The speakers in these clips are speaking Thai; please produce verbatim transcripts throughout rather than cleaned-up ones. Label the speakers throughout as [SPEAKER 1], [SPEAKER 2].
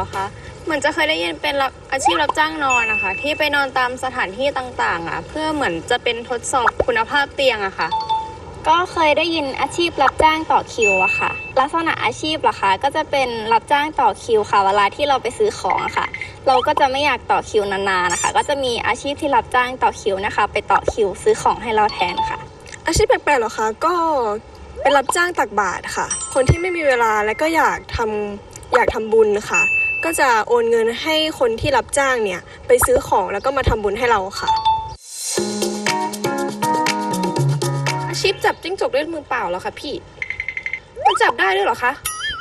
[SPEAKER 1] รอคะเหมือนจะเคยได้ยินเป็นอาชีพรับจ้างนอนนะคะที่ไปนอนตามสถานที่ต่างๆอ่ะเพื่อเหมือนจะเป็นทดสอบคุณภาพเตียงอะค่ะก็เคยได้ยินอาชีพรับจ้างต่อคิวอะค่ะลักษณะอาชีพเหรอคะก็จะเป็นรับจ้างต่อคิวค่ะเวลาที่เราไปซื้อของอะค่ะเราก็จะไม่อยากต่อคิวนานๆนะคะก็จะมีอาชีพที่รับจ้างต่อคิวนะคะไปต่อคิวซื้อของให้เราแทนค่ะ
[SPEAKER 2] อาชีพแปลกๆเหรอคะก็เป็นรับจ้างตักบาตรค่ะคนที่ไม่มีเวลาและก็อยากทำอยากทำบุญค่ะก็จะโอนเงินให้คนที่รับจ้างเนี่ยไปซื้อของแล้วก็มาทำบุญให้เราค่ะ
[SPEAKER 3] อาชีพจับจิ้งจกด้วยมือเปล่าเหรอคะพี่มันจับได้ด้วยเหรอคะ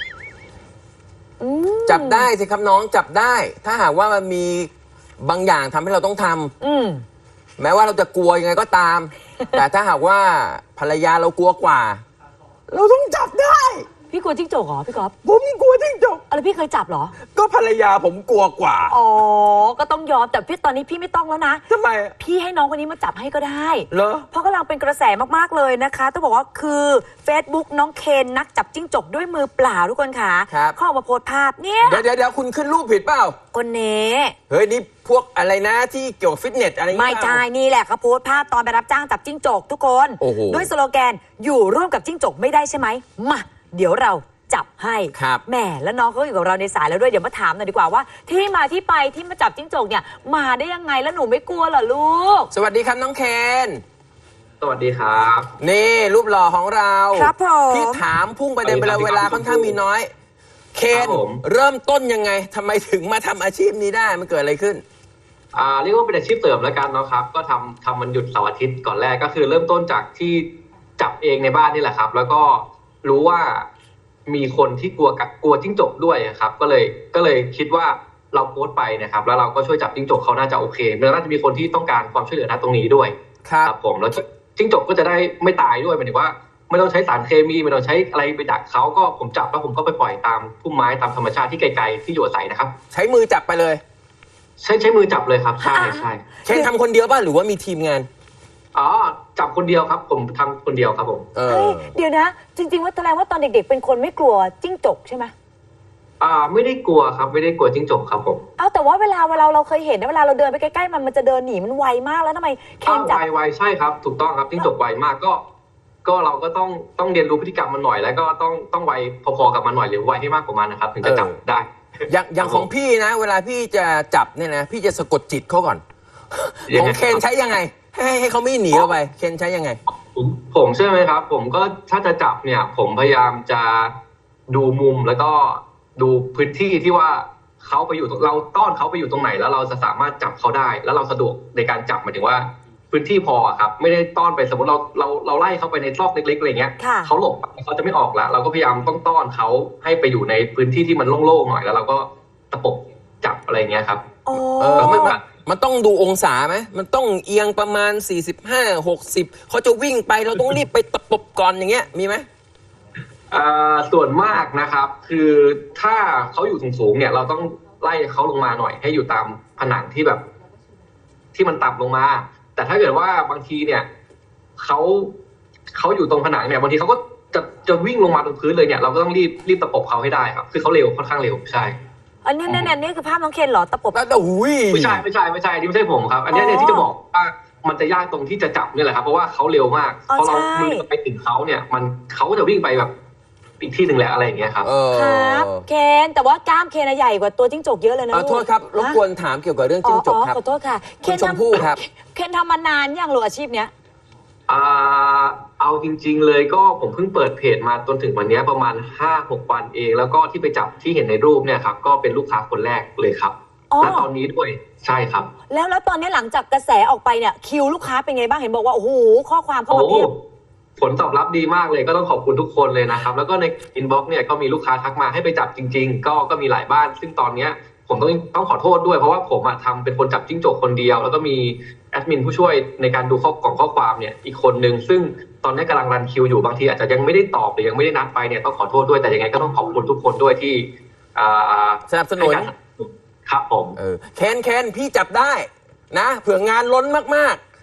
[SPEAKER 4] จับได้สิครับน้องจับได้ถ้าหากว่ามันมีบางอย่างทำให้เราต้องทำ
[SPEAKER 5] อืม
[SPEAKER 4] แม้ว่าเราจะกลัวยังไงก็ตาม แต่ถ้าหากว่าภรรยาเรากลัวกว่า เราต้องจับได้
[SPEAKER 5] พี่กลัวจิ้งจกเหรอพี่ก๊อฟ
[SPEAKER 4] ผมกลัวจิ้งจก
[SPEAKER 5] อะไรพี่เคยจับเหรอ
[SPEAKER 4] ก็ภรรยาผมกลัวกว่า
[SPEAKER 5] อ๋อก็ต้องยอมแต่พี่ตอนนี้พี่ไม่ต้องแล้วนะ
[SPEAKER 4] ทำไม
[SPEAKER 5] พี่ให้น้องคนนี้มาจับให้ก็ได้
[SPEAKER 4] เหรอ
[SPEAKER 5] เพราะกำลังเป็นกระแสมากๆเลยนะคะต้องบอกว่าคือ Facebook น้องเคนนักจับจิ้งจกด้วยมือเปล่าทุกคนค่ะเขาออกมาโพสต์ภาพเนี่ย
[SPEAKER 4] เดี๋ยวเดี๋ยวคุณขึ้นรูปผิดเปล่า
[SPEAKER 5] คนเน่
[SPEAKER 4] เฮ้ยนี่พวกอะไรนะที่เกี่ยวกับฟิตเนสอะไร
[SPEAKER 5] ไม่ใช่นี่แหละเขาโพสต์ภาพตอนไปรับจ้างจับจิ้งจกทุกคนด้วยสโลแกนอยู่ร่วมกับจิ้งจกไม่ได้ใช่ไหมมาเดี๋ยวเราจับให้แหมแล้วน้องเขาอยู่กับเราในสายแล้วด้วยเดี๋ยวมาถามหน่อยดีกว่าว่าที่มาที่ไปที่มาจับจิ้งจกเนี่ยมาได้ยังไงแล้วหนูไม่กลัวเหรอลูก
[SPEAKER 4] สวัสดีครับน้องเคน
[SPEAKER 6] สวัสดีครับ
[SPEAKER 4] นี่รูปหล่อของเรา
[SPEAKER 5] ครับผม
[SPEAKER 4] พี่ถามพุ่งประเด็นไปแล้วเวลาค่อนข้างมีน้อยเคนเริ่มต้นยังไงทำไมถึงมาทำอาชีพนี้ได้มันเกิดอะไรขึ้น
[SPEAKER 6] อ่าเรียกว่าเป็นอาชีพเสริมแล้วกันเนาะครับก็ทำทำมันหยุดเสาร์อาทิตย์ก่อนแรกก็คือเริ่มต้นจากที่จับเองในบ้านนี่แหละครับแล้วก็รู้ว่ามีคนที่กลัวกับกลัวจิ้งจกด้วยครับก็เลยก็เลยคิดว่าเราโพสต์ไปนะครับแล้วเราก็ช่วยจับจิ้งจกเขาน่าจะโอเคมันน่าจะมีคนที่ต้องการความช่วยเหลือณตรงนี้ด้วยครับผมแล้วจิ้งจกก็จะได้ไม่ตายด้วยหมายถึงว่าไม่ต้องใช้สารเคมีไม่ต้องใช้อะไรไปดักเขาก็ผมจับแล้วผมก็ไปปล่อยตามพุ่มไม้ตามธรรมชาติที่ไกลๆที่อยู่อาศัยนะครับ
[SPEAKER 4] ใช้มือจับไปเลย
[SPEAKER 6] ใช้ใช้มือจับเลยครับใช่ใช่
[SPEAKER 4] เคนทำคนเดียวป่ะหรือว่ามีทีมงาน
[SPEAKER 6] อ๋อจับคนเดียวครับผมทำคนเดียวครับผม
[SPEAKER 5] เฮ้ยเดี๋ยวนะจริงๆว่าแสดงว่าตอนเด็กๆเป็นคนไม่กลัวจิ้งจกใช่ไหม
[SPEAKER 6] อ่าไม่ได้กลัวครับไม่ได้กลัวจิ้งจกครับผม
[SPEAKER 5] เอาแต่ว่าเวลาเวลาเราเคยเห็นนะเวลาเราเดินไปใกล้ๆมันมันจะเดินหนีมันไวมากแล้วทำไม
[SPEAKER 6] เคนจับไวไวใช่ครับถูกต้องครับจิ้งจกไวมากก็ก็เราก็ต้องต้องเรียนรู้พฤติกรรมมันหน่อยแล้วก็ต้องต้องไวพอๆกับมันหน่อยหรือไวให้มากกว่ามันนะครับถึงจะจับได้
[SPEAKER 4] อย่างอย่างของพี่นะเวลาพี่จะจับเนี่ยนะพี่จะสะกดจิตเขาก่อนของเคนใช้ยังไงให้ให้เขาไม่หนีเราไปเคนใช้ยังไง
[SPEAKER 6] ผมผมใช่ไหมครับผมก็ถ้าจะจับเนี่ยผมพยายามจะดูมุมแล้วก็ดูพื้นที่ที่ว่าเขาไปอยู่เราต้อนเขาไปอยู่ตรงไหนแล้วเราจะสามารถจับเขาได้แล้วเราสะดวกในการจับหมายถึงว่าพื้นที่พอครับไม่ได้ต้อนไปสมมติเราเราเราไล่เขาไปในซอกเล็กๆอะไรเงี้ยเขาหลบเขาจะไม่ออกแล้วเราก็พยายามต้องต้อนเขาให้ไปอยู่ในพื้นที่ที่มันโล่งๆหน่อยแล้วเราก็ตะปบจับอะไรเงี้ยครับ
[SPEAKER 4] เออมันมันต้องดูองศาไหมมันต้องเอียงประมาณสี่สิบห้า หกสิบเขาจะวิ่งไปเราต้องรีบไปตะปบก่อนอย่างเงี้ยมีไหม
[SPEAKER 6] อ่าส่วนมากนะครับคือถ้าเขาอยู่สูงๆเนี่ยเราต้องไล่เขาลงมาหน่อยให้อยู่ตามผนังที่แบบที่มันต่ำลงมาแต่ถ้าเกิดว่าบางทีเนี่ยเขาเขาอยู่ตรงผนังเนี่ยบางทีเขาก็จะจะวิ่งลงมาตรงพื้นเลยเนี่ยเราก็ต้องรีบรีบตะปบเขาให้ได้ครับคือเขาเร็วค่อนข้างเร็วใช่
[SPEAKER 5] อันนี้นี่นี่คือภาพน้องเคนเหรอตะปบ
[SPEAKER 4] แล้วแต่หุย
[SPEAKER 6] ไม่ใช่ไม่ใช่ไม่ใช่ที่ไม่ใช่ผมครับอันนี้เนี่ยที่จะบอกว่ามันจะยากตรงที่จะจับนี่แหละครับเพราะว่าเขาเร็วมากพอเรามือไปถึงเขาเนี่ยมันเขาจะวิ่งไปแบบอีกที่หนึ่งแหละอะไรอย่างเงี้ยครับ
[SPEAKER 5] ครับเคนแต่ว่ากล้ามเคนใหญ่กว่าตัวจิ้งจกเยอะเลยนะ
[SPEAKER 4] ขอโทษครับรบกวนถามเกี่ยวกับเรื่องจิ้งจกครับ
[SPEAKER 5] ขอโทษค่ะ
[SPEAKER 4] คุณชมพู่ครับ
[SPEAKER 5] เคนทำมานานยังหรืออาชีพเนี้ย
[SPEAKER 6] อ่าเอาจริงๆเลยก็ผมเพิ่งเปิดเพจมาจนถึงวันนี้ประมาณ ห้าหก วันเองแล้วก็ที่ไปจับที่เห็นในรูปเนี่ยครับก็เป็นลูกค้าคนแรกเลยครับและตอนนี้ด้วยใช่ครับ
[SPEAKER 5] แล้วแล้วตอนนี้หลังจากกระแสออกไปเนี่ยคิวลูกค้าเป็นไงบ้างเห็นบอกว่าโอ้โหข้อความเข้ามาเพียบ
[SPEAKER 6] ผลตอบรับดีมากเลยก็ต้องขอบคุณทุกคนเลยนะครับแล้วก็ในอินบ็อกซ์เนี่ยก็มีลูกค้าทักมาให้ไปจับจริงๆก็ก็มีหลายบ้านซึ่งตอนเนี้ยผมต้องต้องขอโทษด้วยเพราะว่าผมทำเป็นคนจับจิ้งจกคนเดียวแล้วก็มีแอดมินผู้ช่วยในการดูข้อกล่องข้อความเนี่ยอีกคนนึงซึ่งตอนนี้กำลังรันคิวอยู่บางทีอาจจะยังไม่ได้ตอบหรือยังไม่ได้นัดไปเนี่ยต้องขอโทษด้วยแต่ยังไงก็ต้องขอบคุณทุกคนด้วยที่
[SPEAKER 4] สนับสนุน
[SPEAKER 6] ครับผม
[SPEAKER 4] เออเคนเคนพี่จับได้นะเผื่องานล้นมาก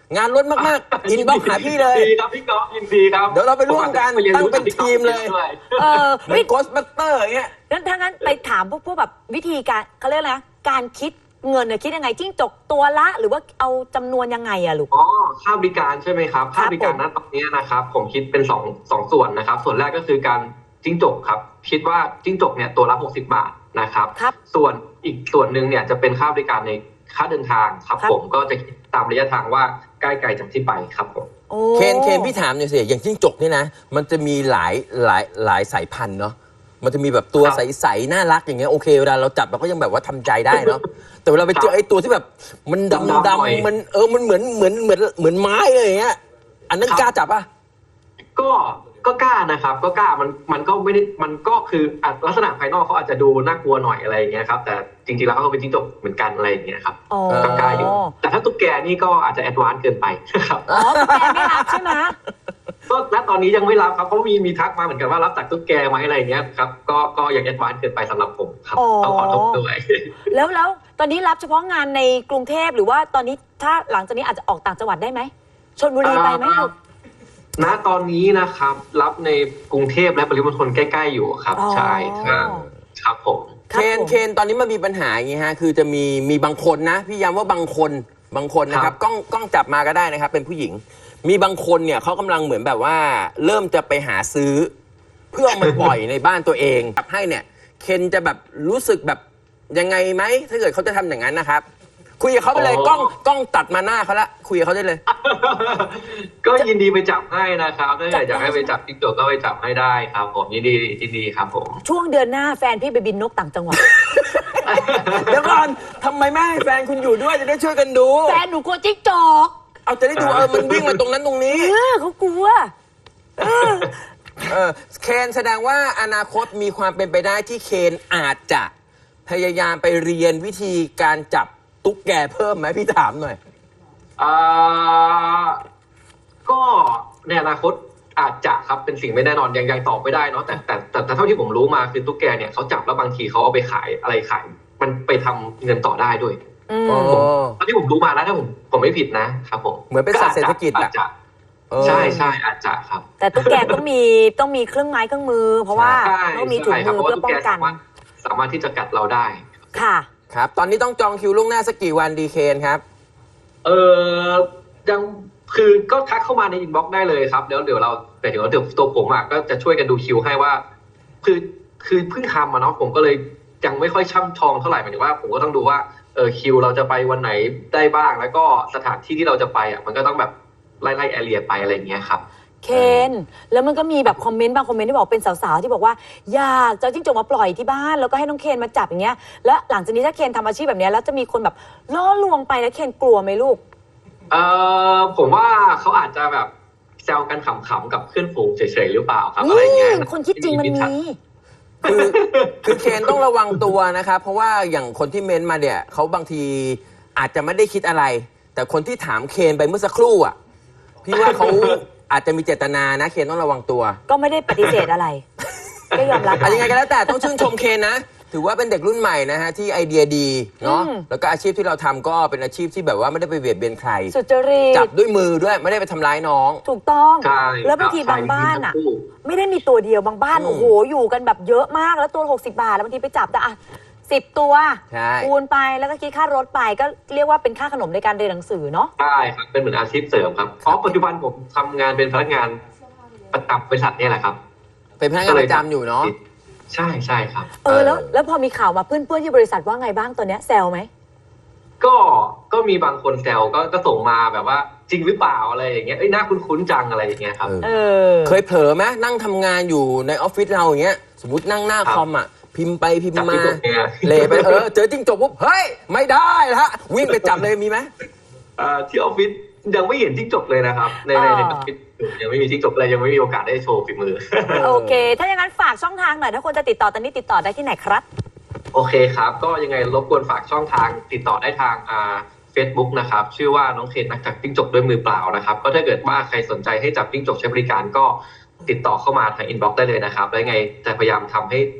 [SPEAKER 4] งานล้นมากๆอินบ็อกหาพี่เลย
[SPEAKER 6] ยินดีครับพี่ก๊อฟยินดีครับ
[SPEAKER 4] เดี๋ยวเราไปร่วมกันตั้งเป็นทีมเลย
[SPEAKER 5] เออ
[SPEAKER 4] เหมือนโกสบัสเตอร์อย่างเงี้ย
[SPEAKER 5] งั้นถ้างั้นไปถามพวกพวกแบบวิธีการเขาเรียกอะไรนะการคิดเงินเนี่ยคิดยังไงจิ้งจกตัวละหรือว่าเอาจำนวนยังไงอะลูก
[SPEAKER 6] อ๋อค่าบริการใช่ไหมครับค่าบริการณตอนนี้นะครับผมคิดเป็นสองสองส่วนนะครับ ส่วนแรกก็คือการจิ้งจกครับคิดว่าจิ้งจกเนี่ยตัวละหกสิบบาทนะครับ
[SPEAKER 5] ครับ
[SPEAKER 6] ส่วนอีกส่วนหนึ่งเนี่ยจะเป็นค่าบริการในค่าเดินทางครับ
[SPEAKER 5] ครับ
[SPEAKER 6] ผมก็จะคิดตามระยะทางว่าใกล้ไกลจากที่ไปครับผม
[SPEAKER 5] โอ้
[SPEAKER 4] เคนเคนพี่ถามหน่อยสิอย่างจิ้งจกนี่นะมันจะมีหลายหลายหลายสายพันธุ์เนาะมันจะมีแบบตัว
[SPEAKER 6] ครับ
[SPEAKER 4] ใสๆน่ารักอย่างเงี้ยโอเคเวลาเราจับเราก็ยังแบบว่าทำใจได้เนาะแต่เวลาไปเจอไอ้ตัวที่แบบมันดำ
[SPEAKER 6] ดำๆหน่อย
[SPEAKER 4] ดำมันเออมันเหมือนเหมือนเหมือนเหมือนไม้เลยอย่างเงี้ยอันนั้นกล้าจับป่ะ
[SPEAKER 6] ก็ก็กล้านะครับ ก็กล้ามันมันก็ไม่ได้มันก็คืออ่ะลักษณะภายนอกเขาอาจจะดูน่ากลัวหน่อยอะไรอย่างเงี้ยครับแต่จริงๆแล้วเขาก็เป็นจิ้งจกเหมือนกันอะไรอย่างเงี้ยครับ
[SPEAKER 5] อ๋อ
[SPEAKER 6] ก็กล้าอยู่แต่ถ้าตุ๊กแกนี่ก็อาจจะแอดวานซ์เกินไปครับ
[SPEAKER 5] อ๋อแกไม่รับใช่ไหม
[SPEAKER 6] ก็ณตอนนี้ยังไม่รับครับเขามีมีทักมาเหมือนกันว่ารับจากตุ๊กแกไหมอะไรอย่างเงี้ยครับก็ก็ยังแอดวานซ์เกินไปสำหรับผมครับต้องขอโทษด้วย
[SPEAKER 5] แล้วแล้วตอนนี้รับเฉพาะงานในกรุงเทพหรือว่าตอนนี้ถ้าหลังจากนี้อาจจะออกต่างจังหวัดได้ไหมชลบุรีไปไหมลูก
[SPEAKER 6] ณตอนนี้นะครับรับในกรุงเทพและปริมณฑลใกล้ๆอยู่ครับ
[SPEAKER 5] อ๋อ
[SPEAKER 6] ใช่ครับครับผม
[SPEAKER 4] เคนเคนตอนนี้มันมีปัญหาอย่างงี้ฮะคือจะมีมีบางคนนะพี่ย้ำว่าบางคนบางคนนะครับกล้องกล้องจับมาก็ได้นะครับเป็นผู้หญิง มีบางคนเนี่ยเขากำลังเหมือนแบบว่า เริ่มจะไปหาซื้อ เพื่อเอามาปล่อยในบ้านตัวเองจับให้เนี่ยเคนจะแบบรู้สึกแบบยังไงไหมถ้าเกิดเขาจะทำอย่างนั้นนะครับคุยกับเขาไปเลยกล้องกล้องตัดมาหน้าเขาละคุยกับเขาได้เลย
[SPEAKER 6] ก็ยินดีไปจับให้นะครับถ้าอยากให้ไปจับจิ้งจกก็ไปจับให้ได้ครับผมยินดียินดีครับผม
[SPEAKER 5] ช่วงเดือนหน้าแฟนพี่ไปบินนกต่างจังหวัด
[SPEAKER 4] เดี๋ยวก่อนทำไมไม่ให้แฟนคุณอยู่ด้วยจะได้ช่วยกันดู
[SPEAKER 5] แฟนหนูกลัวจิ้งจก
[SPEAKER 4] เอาจะได้ดูเออมันวิ่งมาตรงนั้นตรงนี้
[SPEAKER 5] เออเขากลัว
[SPEAKER 4] เออเคนแสดงว่าอนาคตมีความเป็นไปได้ที่เคนอาจจะพยายามไปเรียนวิธีการจับตุ๊กแกเพิ่มไหมพี่ถามหน่อย
[SPEAKER 6] อ่าก็ในอนาคตอาจจะครับเป็นสิ่งไม่แน่นอนยังยังตอบไม่ได้เนาะแต่แต่แต่แต่เท่าที่ผมรู้มาคือตุ๊กแกเนี่ยเขาจับแล้วบางทีเขาเอาไปขายอะไรขายมันไปทำเงินต่อได้ด้วย
[SPEAKER 5] อืม
[SPEAKER 4] อ๋อ
[SPEAKER 6] ตอนที่ผมรู้มานะถ้าผมผมไม่ผิดนะครับผม
[SPEAKER 4] เหมือนเป็นสัตว์เศรษฐกิจ
[SPEAKER 6] อา
[SPEAKER 4] อะ
[SPEAKER 6] จจะ
[SPEAKER 4] เออ
[SPEAKER 6] ใช่ใช่อาจจะครับ
[SPEAKER 5] แต่ตุ๊กแกต้องมีต้องมีเครื่องไม้เครื่องมือ เพราะว่า
[SPEAKER 6] ใช่
[SPEAKER 5] ต้องมีถุง
[SPEAKER 6] ใช่ครับ
[SPEAKER 5] มือ
[SPEAKER 6] เพราะ
[SPEAKER 5] เพื่อ
[SPEAKER 6] ว่าตุ๊ก
[SPEAKER 5] ป้อ
[SPEAKER 6] แก
[SPEAKER 5] งกัน
[SPEAKER 6] สามารถสามารถที่จะกัดเราได้
[SPEAKER 5] ค่ะ
[SPEAKER 4] ครับ ตอนนี้ต้องจองคิวล่วงหน้าสักกี่วันดีเคนครับ
[SPEAKER 6] เออยังคือก็ทักเข้ามาในอินบ็อกซ์ได้เลยครับเดี๋ยวเดี๋ยวเราแต่เดี๋ยวเดี๋ยวตัวผมอ่ะก็จะช่วยกันดูคิวให้ว่า คือคือเพิ่งทำมาเนาะผมก็เลยยังไม่ค่อยช่ำชองเท่าไหร่หมายถึงว่าผมก็ต้องดูว่าเออคิวเราจะไปวันไหนได้บ้าง แล้วก็สถานที่ที่เราจะไปอ่ะมันก็ต้องแบบไล่ไล่แอเรียไปอะไรอย่างเงี้ยครับ
[SPEAKER 5] เคนแล้วมันก็มีแบบคอมเมนต์บางคอมเมนต์ที่บอกเป็นสาวๆที่บอกว่าอยากจะเอาจิ้งจกมาปล่อยที่บ้านแล้วก็ให้น้องเคนมาจับอย่างเงี้ยแล้วหลังจากนี้ถ้าเคนทำอาชีพแบบเนี้ยแล้วจะมีคนแบบล่อลวงไปแล้วเคนกลัวไหมลูก
[SPEAKER 6] เออผมว่าเขาอาจจะแบบแซวกันขำๆกับเพื่อนฝูงเฉยๆหรือเปล่าครับอะไรเงี้ย
[SPEAKER 5] อืมคนคิดจริงมันมี
[SPEAKER 4] คือคือเคนต้องระวังตัวนะครับเพราะว่าอย่างคนที่เม้นต์มาเนี่ยเขาบางทีอาจจะไม่ได้คิดอะไร แต่คนที่ถามเคนไปเมื่อสักครู่อ่ะพี่ว่าเขาอาจจะมีเจตนานะเคนต้องระวังตัว
[SPEAKER 5] ก็ไม่ได้ปฏิเสธอะไร ก็ยอมรับ
[SPEAKER 4] อะยังไงก็แล้วแต่ต้องชื่นชมเคนนะ ถือว่าเป็นเด็กรุ่นใหม่นะฮะที่ไอเดียดีเนาะ
[SPEAKER 5] อืม
[SPEAKER 4] แล้วก็อาชีพที่เราทำก็เป็นอาชีพที่แบบว่าไม่ได้ไปเบียดเบียนใคร
[SPEAKER 5] สุจริต
[SPEAKER 4] จับด้วยมือด้วยไม่ได้ไปทำร้ายน้อง
[SPEAKER 5] ถูกต้อง
[SPEAKER 6] ใช่
[SPEAKER 5] แล้วบางที
[SPEAKER 6] ครับ
[SPEAKER 5] บางบ้านอ่ะ
[SPEAKER 6] ใช่
[SPEAKER 5] ไม่ได้มีตัวเดียวบางบ้าน
[SPEAKER 4] อืม
[SPEAKER 5] โอ้โหอยู่กันแบบเยอะมากแล้วตัวหกสิบบาทแล้วบางทีไปจับแต่อ่ะสิบตัว
[SPEAKER 4] ใช่
[SPEAKER 5] คูณไปแล้วก็คิดค่ารถไปก็เรียกว่าเป็นค่าขนมในการเรียนหนังสือเนาะ
[SPEAKER 6] ใช่ครับเป็นเหมือนอาชีพเสริมครับอ๋อปัจจุบันผมทำงานเป็นพนักงานประจำบริษัทเนี่ยแหละครับ
[SPEAKER 4] เป็นพนักงานประจำอยู่เนาะ
[SPEAKER 6] ใช่ใช่ครับ
[SPEAKER 5] เออแล้ว
[SPEAKER 4] เออ
[SPEAKER 5] แล้วพอมีข่าวมาเพื่อนๆที่บริษัทว่าไงบ้างตัวเนี้ยแซวไหม
[SPEAKER 6] ก็ก็มีบางคนแซวก็ก็ส่งมาแบบว่าจริงหรือเปล่าอะไรอย่างเงี้ยเอ้ยน่าคุ้นๆจังอะไรอย่างเงี้ยครับ
[SPEAKER 4] เออ
[SPEAKER 5] เออ
[SPEAKER 4] เคยเผลอไหมนั่งทำงานอยู่ในออฟฟิศเราอย่างเงี้ยสมมตินั่งหน้า
[SPEAKER 6] ครับ
[SPEAKER 4] คอมอ่ะพิมพ์ไปพิม
[SPEAKER 6] จับ
[SPEAKER 4] พ์มา
[SPEAKER 6] ที่ตัวเนี่ย
[SPEAKER 4] เละไปเออเจอจิ้งจกปุ๊บเฮ้ยไม่ได้ละวิ่งไปจับเลยมีไหม
[SPEAKER 6] เอ่อที่ออฟฟิศยังไม่เห็นจิ้งจกเลยนะครับในในในออฟฟิศยังไม่มีจิ้งจกเลยยังไม่มีโอกาสได้โชว์ฝีมือ
[SPEAKER 5] โอเค ถ้าอย่างนั้นฝากช่องทางหน่อยถ้าคนจะติดต่อตอนนี้ติดต่อได้ที่ไหนครับ
[SPEAKER 6] โอเคครับ ก็ยังไงรบกวนฝากช่องทางติดต่อได้ทางอ่า Facebook นะครับชื่อว่าน้องเคนนักจับจิ้งจกด้วยมือเปล่านะครับก็ถ้าเกิดว่าใครสนใจให้จับจิ้งจกใช้บริการก็ติดต่อเข้ามาทางอินบ็อกซ์ได้เลยนะครับแล้วยังไงจะพยายามทำให้เ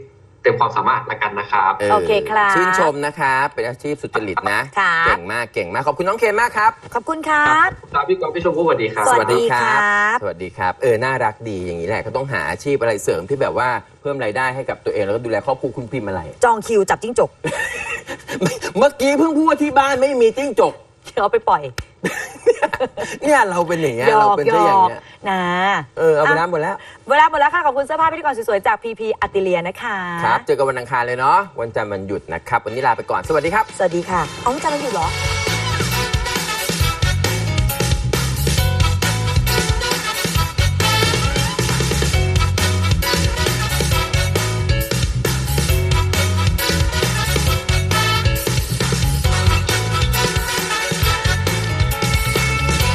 [SPEAKER 6] ต็มความสามารถละกันนะครับ
[SPEAKER 4] เออ
[SPEAKER 5] โอเคครับ
[SPEAKER 4] ชื่นชมนะครับเป็นอาชีพสุจริตนะ
[SPEAKER 5] ครับ
[SPEAKER 4] เก่งมากเก่งมากขอบคุณน้องเคนมากครับ
[SPEAKER 5] ขอบคุณครับ
[SPEAKER 6] ครับพี่กอล์ฟพี่ชมพู่สวัสดีครับ
[SPEAKER 5] สวัสดีครับ
[SPEAKER 4] สวัสดีครับ เออ น่ารักดีอย่างนี้แหละก็ต้องหาอาชีพอะไรเสริมที่แบบว่าเพิ่มรายได้ให้กับตัวเองแล้วก็ดูแลครอบครัวคุณพิมพ์อะไร
[SPEAKER 5] จองคิวจับจิ้งจก
[SPEAKER 4] เมื่อกี้เพิ่งพูดว่าที่บ้านไม่มีจิ้งจก
[SPEAKER 5] เอาไปปล่อย
[SPEAKER 4] เนี่ยเราเป็นอย่างเงี้ย
[SPEAKER 5] หย
[SPEAKER 4] เรา
[SPEAKER 5] อก
[SPEAKER 4] เป็น
[SPEAKER 5] หย
[SPEAKER 4] ซะอย่าง
[SPEAKER 5] อก
[SPEAKER 4] เงี้ย
[SPEAKER 5] นะ
[SPEAKER 4] เออเอาไปน้ำหมดแล้ว
[SPEAKER 5] เวลาหมดแล้วค่ะ ขอบคุณเสื้อผ้าพิธีกรสวยๆ จากพีพีอัติเลียนะคะ
[SPEAKER 4] ครับ เจอกันวันอังคารเลยเนาะวันจันทร์วันหยุดนะครับ วันนี้ลาไปก่อนสวัสดีครับ
[SPEAKER 5] สวัสดีค่ะอ๋อวันจันทร์วันหยุดเหรอ